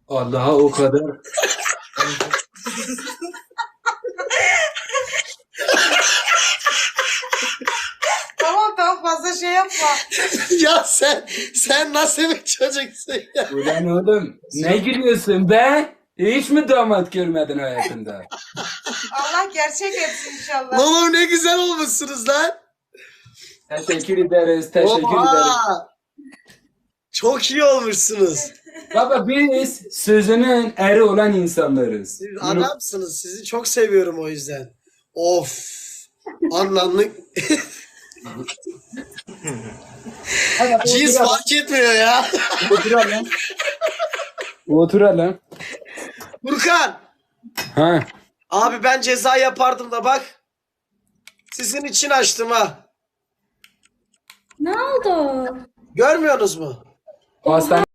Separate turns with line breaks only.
Allah'a o kadar.
Tamam fazla şey yapma.
Ya sen nasıl bir çocuksun ya?
Ulan oğlum ne gülüyorsun be? Hiç mi damat görmedin hayatında?
Allah gerçek etsin inşallah.
Oğlum ne güzel olmuşsunuz lan.
Teşekkür ederiz, teşekkür ederiz.
Oha! Çok iyi olmuşsunuz.
Baba biz sözünün eri olan insanlarız.
Siz adamsınız. Sizi çok seviyorum o yüzden. Of. Anlamlık. Cins fark etmiyor ya.
Oturalım. Oturalım.
Furkan.
Ha.
Abi ben ceza yapardım da bak. Sizin için açtım ha.
Ne oldu?
Görmüyorsunuz mu?
Hastane